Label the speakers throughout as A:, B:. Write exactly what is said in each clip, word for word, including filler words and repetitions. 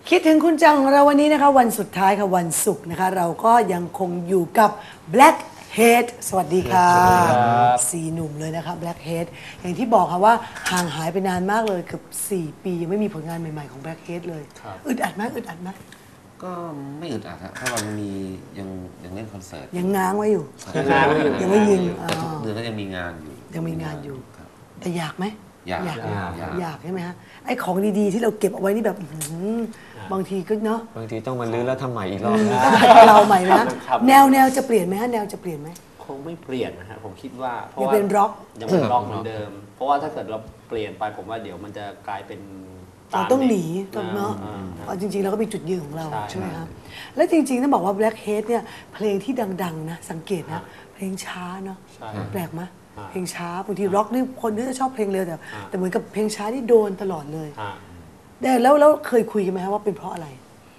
A: คิดถึงคุณจังเราวันนี้นะคะวันสุดท้ายค่ะวันศุกร์นะคะเราก็ยังคงอยู่กับ Blackhead สวัสดีค่ะสี่หนุ่มเลยนะคะ Blackhead อย่างที่บอกค่ะว่าห่างหายไปนานมากเลยเกือบสี่ปียังไม่มีผลงานใหม่ๆของ Blackhead เลยอึดอัดไหมอึดอัดไหม
B: ก็ไม่อึดอัดครับเพราะเรามียังยังเล่นคอนเสิร์ต
A: ยังง้างไว้อยู่
C: ยังง้างไว้อยู่
A: ยังไม่ยิง
B: แต่ทุกเดือนก็ยังมีงานอยู่
A: ยังมีงานอยู่แต่อยากไหม
B: อยาก
A: อยากอยากใช่ไหมฮะไอ้ของดีๆที่เราเก็บเอาไว้นี่แบบบางทีก็เนาะ
C: บางทีต้องมาลื้อแล้วทำใหม่อีกรอบ
A: ต้องเราใหม่นะแนวแนวจะเปลี่ยนไหมฮะแนวจะเปลี่ยนไหม
D: คงไม่เปลี่ยนนะฮะผมคิดว่า
A: เพราะว่ายังเป็นร็อก
D: ยังเป็นร็อกเหมือนเดิมเพราะว่าถ้าเกิดเราเปลี่ยนไปผมว่าเดี๋ยวมันจะกลายเป็น
A: เราต้องหนีต้องเนาะเพราะจริงๆเราก็มีจุดยืนของเราใช่ไหมครับแล้วจริงๆต้องบอกว่า Blackhead เนี่ยเพลงที่ดังๆนะสังเกตนะเพลงช้าเนาะแปลกไหมเพลงช้าบางทีร็อกนี่คนที่จะชอบเพลงเร็วแต่แต่เหมือนกับเพลงช้าที่โดนตลอดเลยแต่แล้วแล้วเคยคุยกันไหมครับว่าเป็นเพราะอะไร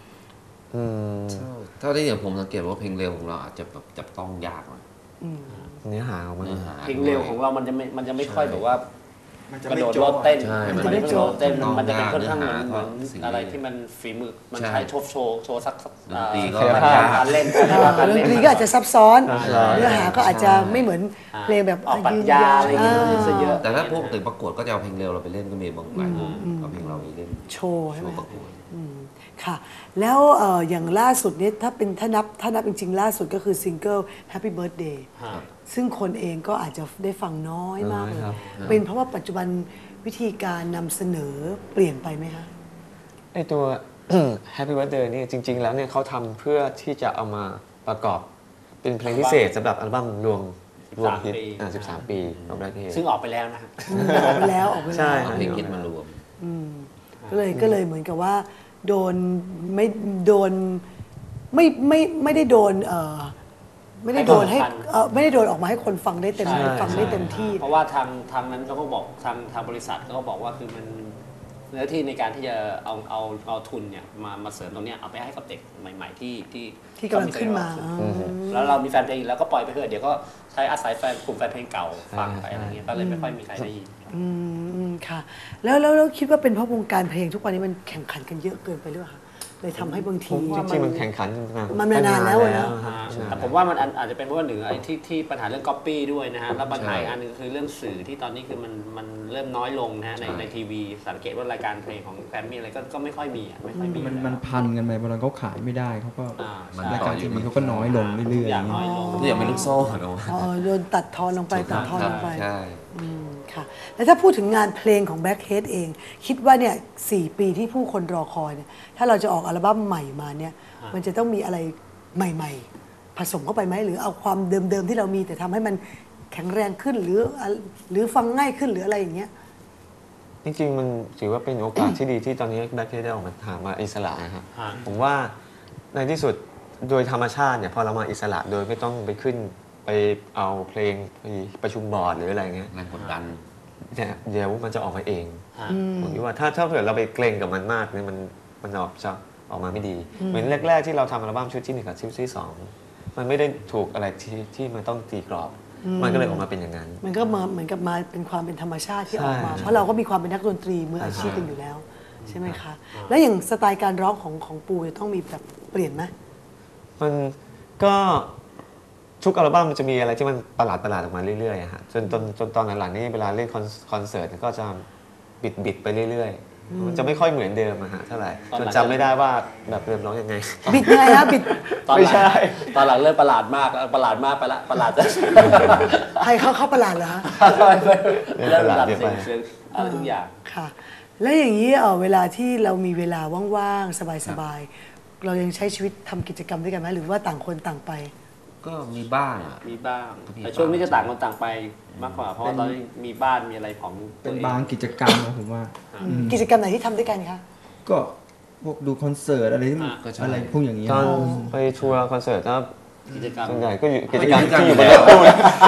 B: เท่าที่อย่างผมสังเกตว่าเพลงเร็วของเราอาจจะแบบจับต้องยากหน่อย
C: เนื้อหาของมัน
D: เพลงเร็วของเรามันจะไม่มันจะไม่ค่อยแบบว่ากระโดดโลดเต้น
B: มัน
D: จะไม่โลดเต้นมันจะเป็นค่อนข้างเหมือนเหมือนอะไรที่มันฝีมือมันใช้โชว์โชว์โชว์สัก
B: ตีก็
D: การเล่น
A: ดนตรีก็อาจจะซับซ้อนเนื้อหาก็อาจจะไม่เหมือนเพลงแบบ
D: ปรัชญาอะไรอย่างเงี้ยเยอะ
B: แต่ถ้าพวกตึกประกวดก็จะเอาเพลงเร็วเราไปเล่นก็มีบางหลายวงเอาเพลงเราไปเล่น
A: โชว์ใช่ไหมค่ะแล้วอย่างล่าสุดนี้ถ้าเป็นถ้านับถ้านับจริงๆล่าสุดก็คือซิงเกิล Happy Birthday ซึ่งคนเองก็อาจจะได้ฟังน้อยมากเลยเป็นเพราะว่าปัจจุบันวิธีการนำเสนอเปลี่ยนไปไหมคะ
C: ไอตัว Happy Birthday นี่จริงๆแล้วเนี่ยเขาทพื่อเพื่อที่จะเอามาประกอบเป็นเพลงพิเศษสำหรับอัลบั้มรวมรวมฮิตสิบสามปีของ Blackhead
D: ซึ่งออกไปแล้วนะ
A: ออกไปแล้วออกไปแล้ว
C: ใช่
B: เพลงฮิตมารวม
A: ก็เลยก็เลยเหมือนกับว่าโดนไม่โดนไม่ไม่ไม่ได้โดนเอ่อไม่ได้โดนให้เอ่อไม่ได้โดนออกมาให้คนฟังได้เต็มฟังได้เต็มที่
D: เพราะว่าทางทางนั้นเขาก็บอกทางทางบริษัทก็บอกว่าคือมันเนื้อที่ในการที่จะเอาเอาเอาทุนเนี่ยมามาเสริมตรงเนี้ยเอาไปให้กับเด็กใหม่ๆที่ที่
A: ที่กำลังขึ้นมา
D: แล้วเรามีแฟนเพลงแล้วก็ปล่อยไปเถอะเดี๋ยวก็ใช้อาศัยแฟนกลุ่มแฟนเพลงเก่าฟังไปอะไรเงี้ยก็เลยไม่ค่อยมีใครได้ยิน
A: อืมค่ะแล้วแล้วแล้วคิดว่าเป็นเพราะวงการเพลงทุกวันนี้มันแข่งขันกันเยอะเกินไปหรือเปล่าคะเลยทำให้บางที
C: จริงๆมันแข่งขัน
A: มันมานานแล้วนะ
D: แต่ผมว่ามันอาจจะเป็นเพราะว่าหนึ่งไอ้ที่ที่ปัญหาเรื่องก๊อปปี้ด้วยนะฮะแล้วปัญหาอันนึงคือเรื่องสื่อที่ตอนนี้คือมันมันเริ่มน้อยลงนะฮะในในทีวีสังเกตว่ารายการเพลงของแกรมมี่อะไรก็ก็ไม่ค่อยมีไม่ค่อยมี
E: มันมันพันกันไปเวลาเขาขายไม่ได้เขาก็รายการทีวีเขาก็น้อยลงเรื่อยๆ
D: อย่างน้อยลง
B: ทุกอย่างเป็นลูกโซ่เนาะ
A: โดนตัดทอนลงไปตัดทอนลงไปค่ะแล้วถ้าพูดถึงงานเพลงของ Blackhead เองคิดว่าเนี่ยสี่ปีที่ผู้คนรอคอยเนี่ยถ้าเราจะออกอัลบั้มใหม่มาเนี่ยมันจะต้องมีอะไรใหม่ๆผสมเข้าไปไหมหรือเอาความเดิมๆที่เรามีแต่ทำให้มันแข็งแรงขึ้นหรือหรือฟังง่ายขึ้นหรืออะไรอย่างเงี้ย
C: จริงๆมันถือว่าเป็นโอกาสที่ดีที่ตอนนี้ Blackhead ได้ออกมาหามาอิสระนะครับผมว่าในที่สุดโดยธรรมชาติเนี่ยพอเรามาอิสระโดยไม่ต้องไปขึ้นไปเอาเพลงไปประชุมบอร์ดหรืออะไรเงี้ย
B: แรงกดดัน
C: เนี่ยเดี๋ยวมันจะออกมาเองผมคิดว่าถ้าถ้าเผื่อเราไปเกรงกับมันมากเนี่ยมันมันออกจะออกมาไม่ดีเหมือนแรกๆที่เราทำอัลบั้มชุดที่หนึ่งกับชุดที่สองมันไม่ได้ถูกอะไรที่ที่มันต้องตีกรอบมันก็เลยออกมาเป็นอย่างนั้น
A: มันก็มาเหมือนกับมาเป็นความเป็นธรรมชาติที่ออกมาเพราะเราก็มีความเป็นนักดนตรีมืออาชีพกันอยู่แล้วใช่ไหมคะแล้วอย่างสไตล์การร้องของของปูจะต้องมีแบบเปลี่ยนไหม
C: มันก็ทุกอัลบั้มมันจะมีอะไรที่มันประหลาดประหลาดออกมาเรื่อยๆฮะจนจนจนตอนหลังๆนี่เวลาเล่นคอนเสิร์ตก็จะบิดบิดไปเรื่อยๆมันจะไม่ค่อยเหมือนเดิมอะฮะเท่าไหร่จนจำไม่ได้ว่าแบบเดิมร้องยังไง
A: บิดยังไงฮะบิด
C: ไม่ใช่
D: ตอนหลังเริ่มประหลาดมากประหลาดมากไปละประหลาดจะ
A: ใครเขาเขาประหลาดเหรอ
D: เริ่มประหลาดเสียงอะไรทุกอย่าง
A: ค่ะแล้วอย่างนี้เออเวลาที่เรามีเวลาว่างๆสบายๆเรายังใช้ชีวิตทำกิจกรรมด้วยกันไหมหรือว่าต่างคนต่างไป
B: ก็มีบ้างอ่ะ
D: มีบ้างแต่ช่วงนี้จะต่างคนต่างไปมากกว่าเพราะตอนนี้มีบ้านมีอะไรของ
E: เป็นบางกิจกรรมนะผมว่า
A: กิจกรรมไหนที่ทำด้วยกันคะ
E: ก็พวกดูคอนเสิร์ตอะไรที่อะไรพวกอย่างนี้
C: ตอนไปทัวร์คอนเสิร์ตครับ
D: กิจกรรม
C: ส่วนใหญ่ก็อยู่กิจกรรมที่อยู่บนรถตู้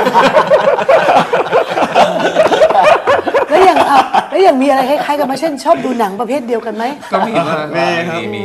A: แล้วอย่างแล้วอย่างมีอะไรคล้ายๆกันไหมเช่นชอบดูหนังประเภทเดียวกันไหม
B: ก็มีมี
C: มี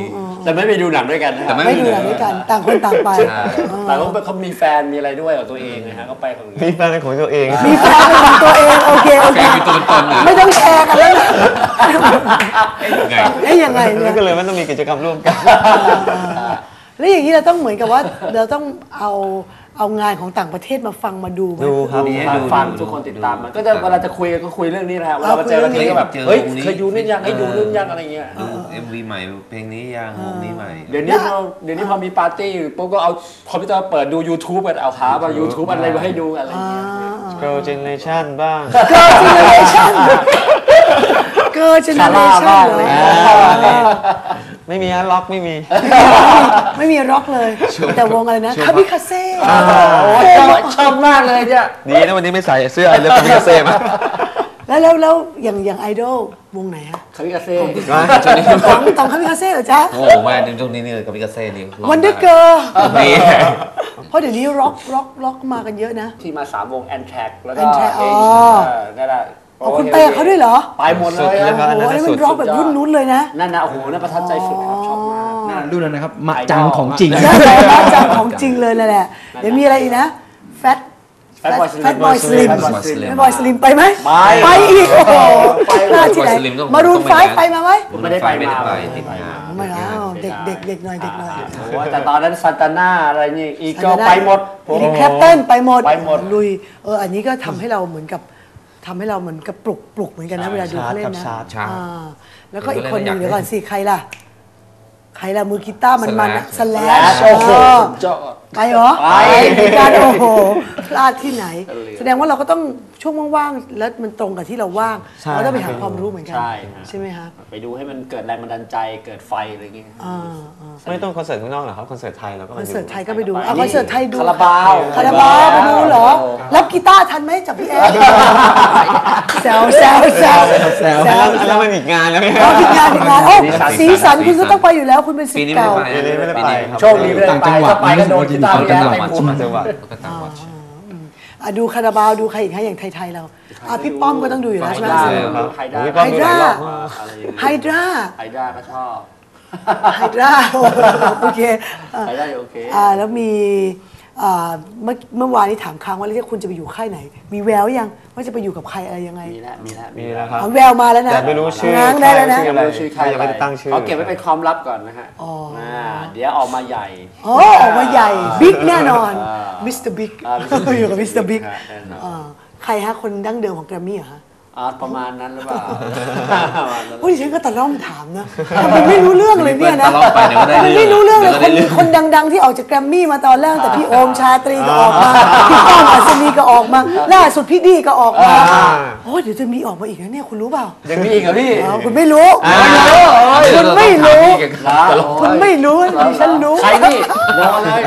D: แต่ไม่ไปดูหนังด้วยกันนะ
B: แต่ไม่
A: ไม่ดูหนังด้วยกันต่างคนต่างไป
D: แต่เขาเขามีแฟนมีอะไรด้วยกับตัวเองนะฮะเขาไปของ
C: มีแฟนเป็นของตัวเอง
A: มีแฟนเป็นของตัวเองโอเคโอ
B: แฟ
A: เคน
B: มีตัวเป็นตนเลย
A: ไม่ต้องแชร์กันแล้วนะ
B: ไง
A: เอ๊ยยังไงเนี่ย
C: ก็เลยไม่ต้องมีกิจกรรมร่วมกัน
A: แล้วอย่างนี้เราต้องเหมือนกับว่าเราต้องเอาเอางานของต่างประเทศมาฟังมาดูไหม
C: ดูครับ
B: นี่
D: ฟังฟังทุกคนติดตามมันก็จะเวลาจะคุยกันก็คุยเรื่องนี้นะฮะเวลามาเจอกันทีก็แบบ
B: เจอ
D: เฮ้ยว
B: งนี้
D: เคยดูนี่ยังให้ดูเรื่องยังอะไรเงี้ย
B: ดูเอ็มวีใหม่เพลงนี้ยังวงนี้ใหม่
D: เดี๋ยวนี้พอเดี๋ยวนี้พอมีปาร์ตี้ปุ๊บก็เอาคอมพิวเตอร์เปิดดู YouTube กันเอาหามา YouTube อะไรมาให้ดูอะไรเงี้ย
C: Girl Generation บ้าง
A: เกิร์ลเจเนเรชั่นเกิร์ลเจเนเรชั่นเหรอ
C: ไม่มีฮะล็อกไม่มี
A: ไม่มีร็อกเลย แต่วงอะไรนะคาบิคาเซ่
D: โอ้ยชอบชอบมากเลยเนี่ย
C: ดีนะวันนี้ไม่ใส่เสื้อไอเลิฟคามิกาเซ่มา
A: แล้วแล้วแล้วอย่างอย่างไอดอลวงไหนฮะ
D: คาริกาเซ่
A: ของของคาบิคาเซ่เหรอจ๊ะ
B: โอ้แม่ในช่วงนี้นี่กับพิกาเซ่นี่
A: วันเดอร์เกิร์ล
B: นี่
A: เพราะเดี๋ยวนี้ร็อกร็อกร็อกมากันเยอะนะ
D: ที่มาสามวงแอนแทร็กแล้วก็
A: Anthrax อ๋อ
D: เออนั่นแหละ
A: อ๋อคุณไปกับเขาด้วยเหรอ
D: ไปหมดเลย
C: สุดเลยครับ
A: โอ้โหอันนี้มันร็อกแบบรุ่นนู้นเลยนะ
D: นั่นนะโอ้โหนั่นประทับใจสุดครับชอบมาก
E: น่ารุ่นนั้นนะครับมะจังของจริง
A: ใช่แล้วจำของจริงเลยนั่นแหละ เดี๋ยวมีอะไรอีกนะแฟต
D: Fatboy Slim
A: แฟตบอยสลิม
D: Fatboy
A: แฟ
D: Slim
A: ตบอยสลิมไปไหม
D: ไป
A: ไปอีกโอ้โห
D: ไป
A: พลาดที่ไหน
B: Fatboy Slim ต้อง
A: มารูน
B: ต้อง
A: ไฟ
B: ไปนะ
A: ไปมาไหม
D: ไม่ได้ไป
B: ไม่ได้ไป
D: มา
B: ติดงาน
A: ไม่เอาเด็กเด็กเด็กหน่อยเด็กหน่อย
D: โอ้โหแต่ตอนนั้นซันตาน่าอะไรนี่อีเกิลไปหมด
A: อีริคแคปเตันไปหมด
D: ไปหมด
A: ลุยเอออันนี้ก็ทำให้เราเหมือนกับทำให้เราเหมือนกับปลุกปลุกเหมือนกันนะเวลาดูเขาเล่นนะ
C: ชาร์จ
B: ชาร์จ
A: อ่าแล้วก็อีกคนห
B: อยา
A: นึ่
B: ก
A: ง
B: เล่น
A: เดี๋ยวก่อนสิใครล่ะ ใครล่ะมือกีตาร์มันมันสแล
D: แล้
A: ช
D: โอ้โห
A: เออ
D: เจ้า
A: ไปเหรอ
D: ไป
A: เหมือนกันโอ้โหพลาดที่ไหน
D: เออ
A: แสดงว่าเราก็ต้องช่วงว่างๆแล้วมันตรงกับที่เราว่าง
C: ใช่
A: เราต้องไปหาความรู้เหมือนกัน
D: ใช่ฮะ
A: ใช่ไหมคะ
D: ไปดูให้มันเกิดแรงบันดาลใจเกิดไฟอะไรอย่างเงี้ย
A: อ่าอ่า
C: ไม่ต้องคอนเสิร์ตข้างนอกหรอกครับคอนเสิร์ตไทยเราก็
A: ค
C: มา
A: อน
C: ดู
A: เสิร์ตไทยก็ไปดู
D: ไป
A: อ่ะคอนเสิร์ตไทยดู
D: คาราบาว
A: คาราบาวไปดูเหรอ รับกีตาร์ทันไหมจากพี่แอดแซวแซวแซว
E: แซว
A: แซว
C: แล้วมันอีกงานแล้วเนี่ย
A: เอาผิดงานผิดงานโอ้สีสันคุณก็ต้องไปอยู่แล้วคุณเป็นศิ
B: ปี
A: ษ
B: นี้
A: ย์
B: ไม่
A: เก่า
B: ได้ไป
C: ปีนี้ไม่ได้ไปครับ
D: โชคดีไม่ได้ไปถ้าไปก็โดนกีตาร์พี่แอดไปพูด
C: ต่างจังหวัด
B: ก็ต่างวัด
A: อ่ะดูคาราบาวดูใครอีกฮะอย่างไทยๆเราอ่ะพี่ป้อมก็ต้องดูอยู่แล้วใช่ไหม
D: ไฮ
C: ครับ
D: ไฮด้า
C: พี่ป้อมดูหลายรอบมาก
D: อะไรอย่างเงี้ย
A: ไฮดรา
D: ไฮด้าก็ชอบ
A: ไฮดราโอเคอ่ะ
D: ไฮด้าโอเค
A: อ่าแล้วมีอ่าเมื่อเมื่อวานนี้ถามค้างว่าแล้วคุณจะไปอยู่ค่ายไหน มีแววยังว่าจะไปอยู่กับใครอะไรยังไง
D: มีแล้วมีแล้ว
C: มีแล้วครับ
A: เอาแววมาแล้วนะ
C: แต่ไม่รู้ชื่อ
A: ง้างได้แล้วนะ
C: ชื่
D: ยัง
C: อะไร
D: ไม่รู้ชื่อใคร
C: ยังไม่ได้ตั้งชื่อ
D: เขาเก็บไว้เป็นความลับก่อนนะฮะ
A: อ๋ออ่
D: าเดี๋ยวออกมาใหญ่
A: โอ้ออกมาใหญ่บิ๊กแน่นอน
D: อ่า
A: มิสเตอร์บิ๊ก
D: อ่า Mister Big
A: อยู่กับมิสเตอร์บิ๊ก
D: ฮะแน่นอน
A: ใครฮะคนดั้งเดิมของแกรมมี่เหรอฮะ
D: อ่าประมาณนั้นหรือเปล่าประมาณนั้น
A: โอ้ยดิฉันก็ตะล่อมถามนะทำไมไม่รู้เรื่องเลยเนี่ยนะ
B: ตะล่อมไปเดี๋ยวก็ได้
A: มันไม่รู้เรื่องเลย
B: ดี๋ว
A: ค
B: ก็
A: น
B: ได้
A: คนดังๆที่ออกจากแกรมมี่มาตอนแรกแต่พี่โอมชาตรีก็ออกมาพี่ป้อมอัศนีก็ออกมาล่าสุดพี่ดีก็ออกมาโอ้ยเดี๋ยวจะมีออกมาอีกนะเนี่ยคุณรู้เปล่า
D: ยังมีอีกเหรอพี่
A: อ้าวคุณไม่รู้
B: อ่า
A: คุณไม่รู้
B: เดี๋ยว
D: นะ
B: เราต้องถามพี่
A: คุณไม่รู้ดิฉันรู้
D: ใครพี่รอเลย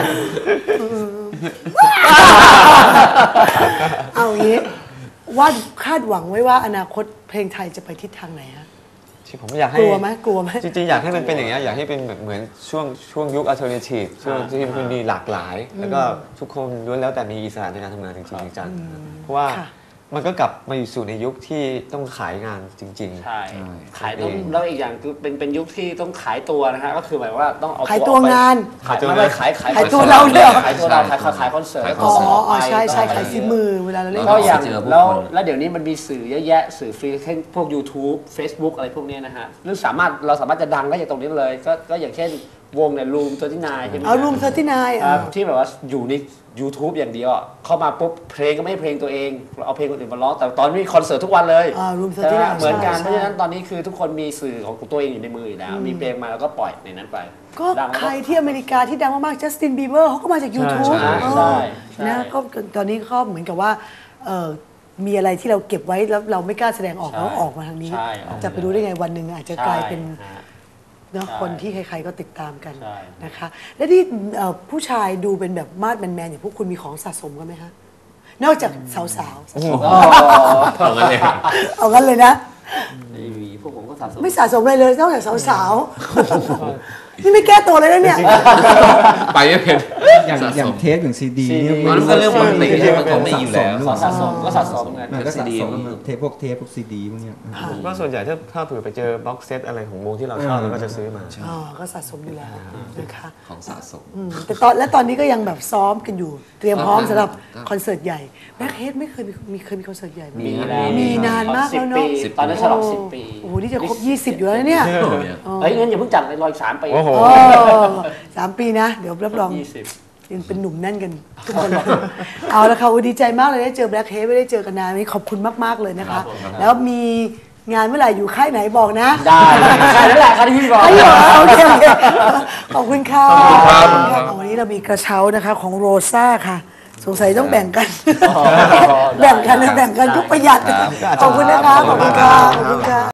A: เอางี้ว่าคาดหวังไว้ว่าอนาคตเพลงไทยจะไปทิศทางไหนฮะ
C: ที่ผมอยากให้
A: กลัวไหมกลัวไหม
C: จริงๆ อยากให้มันเป็นอย่างนี้ยอยากให้เป็นแบบเหมือนช่วงช่วงยุคอัลเทอร์เนทีฟช่วงที่มันมีหลากหลาย แล้วก็ทุกคนล้วนแล้วแต่มีอิสระในการทำงานจริงๆจังๆเพราะว่า
A: ค่ะ
C: มันก็กลับมาอยู่สู่ในยุคที่ต้องขายงานจริง
D: ใช่
B: ใช่
D: ขายต้อง
C: เอง
D: แล้วอีกอย่างคือเป็นเป็นยุคที่ต้องขายตัวนะฮะก็คือหมายว่าต้องเอา
A: ขายตัวงาน
D: ขายไม่ไม่ขายขาย
A: ขายตัวเราด้วยเหรอ
D: ขายตัวเราขายขายขายคอนเสิร์ต
B: ขายค
A: อ๋
B: น
A: อ
B: เสิร์ต
A: อ๋อใช่ใช่ขายฝีมือเวลาเราเล่น
D: ก็อย่าง
B: เจอผู้คน
D: แล้วแล้วเดี๋ยวนี้มันมีสื่อเยอะแยะสื่อฟรีเช่นพวก YouTube Facebook อะไรพวกเนี้ยนะฮะหรือสามารถเราสามารถจะดังได้จากตรงนี้เลยก็ก็อย่างเช่นวงเนี่ยรูมตัวที่นายใช่ไหม
A: เอารูมเทอร์ที่นาย
D: ครับที่แบบว่าอยู่ใน YouTube อย่างเดียวอะเข้ามาปุ๊บเพลงก็ไม่ใช่เพลงตัวเองเอาเพลงคนอื่นมาร้องแต่ตอนนี้มีคอนเสิร์ตทุกวันเลย
A: อ่ารูมเทอร์
D: ใช่
A: ที่
D: ไหม
A: นาย
D: เหมือนกันเพ
A: ใช่
D: ราะฉะนั้นตอนนี้คือทุกคนมีสื่อของตัวเองอยู่ในมืออยู่แล้ว มีเพลงมาแล้วก็ปล่อยในนั้นไป
A: ก็
D: ดังแล้ว
A: ใครที่อเมริกาที่ดังมากๆจัสตินบีเบอร์เขาก็มาจาก YouTube
B: ใช่
A: เออ
D: ใช่ใช่
A: นะก็ตอนนี้ก็เหมือนกับว่าเออมีอะไรที่เราเก็บไว้แล้วเราไม่กล้าแสดงออก
D: ใช่
A: แล้วออกมาทางนี้
D: ใช่ออกมา
A: จะไปรู้ได้ไงวันหนึ่งอาจจะกลายเป็น
D: ใช่ฮะ
A: เนาะ
D: ใช่
A: คนที่ใครๆก็ติดตามกัน
D: ใช่
A: นะคะ และที่เอ่อผู้ชายดูเป็นแบบมาดแมนๆอย่างพวกคุณมีของสะสมกันไหมฮะนอกจากสาวๆ
B: เอางั้นเลย
A: เอางั้นเลยนะ
D: ไม่มีพวกผมก็สะสม
A: ไม่สะสมอะไรเลยนอกจากสาวๆนี่ไม่แก้ตัวเลยนะเนี่ย
B: ไปไม่เป็น
E: อย่าง
B: สะ
E: อย่า
B: ส
E: ง
B: ม
E: เทปอย่างซีดี
D: ซีดี
E: เนี่ย
B: มันก็เรื่องปกติใช่ไหมมันของมีอยู่แล้ว
D: ขอสะสมก็สะสมไง
E: มันก็สะ
B: ซีดี
E: สมเทปพวกเทปพวกซีดีพวกเนี้ย
C: ก็ส่วนใหญ่ถ้าถ้าเผื่อไปเจอบ็อกเซตอะไรของวงที่เราชอบเราก็จะซื้อมา
A: อ๋อ ก็สะสมอยู่แล้วนะคะ
B: ของสะสม
A: อืมแต่ตอนและตอนนี้ก็ยังแบบซ้อมกันอยู่ เตรียมพร้อมสำหรับ
B: ครับ
A: คอนเสิร์ตใหญ่แบ็คเฮดไม่เคยมีมีเคยมีคอนเสิร์ตใหญ่ไหม
D: มีแล้ว
A: มีนานมากแล้วเนอะ
D: สิบปีตอนนั้นฉลองสิบปี
A: โอ้โห นี่จะครบยี่สิบอยู่แล้วนะเนี่ย
D: เฮ้ยงั้นอย่าเพิ่งจัดเลยรออีกสามปี
C: โอ้โห
A: โอ้สามปีนะ เดี๋ยวรับรอง
D: ยี่สิบ
A: ยังเป็นหนุ่มแน่นกันทุกคนเลย เอาละค่ะอุ๊ยดีใจมากเลยได้เจอแบล็คเฮดไม่ได้เจอกันนานนี้ขอบคุณมาก ๆ เลยนะคะ แล้วมีงานเมื่อไหร่อยู่ค่ายไหนบอกนะ
D: ได้ใช่แล้วแหละครับที่พี่บอก
A: ไอ้เหรอโอเคโอเคขอบคุณค่ะ
B: ขอบคุณครับ
A: วันนี้เรามีกระเช้านะคะของโรซ่าค่ะ สงสัยต้องแบ่งกัน แบ่งกันนะแบ่งกันก็ประหยัด ขอบคุณนะคะ ขอบคุณค่ะขอบคุณค่ะ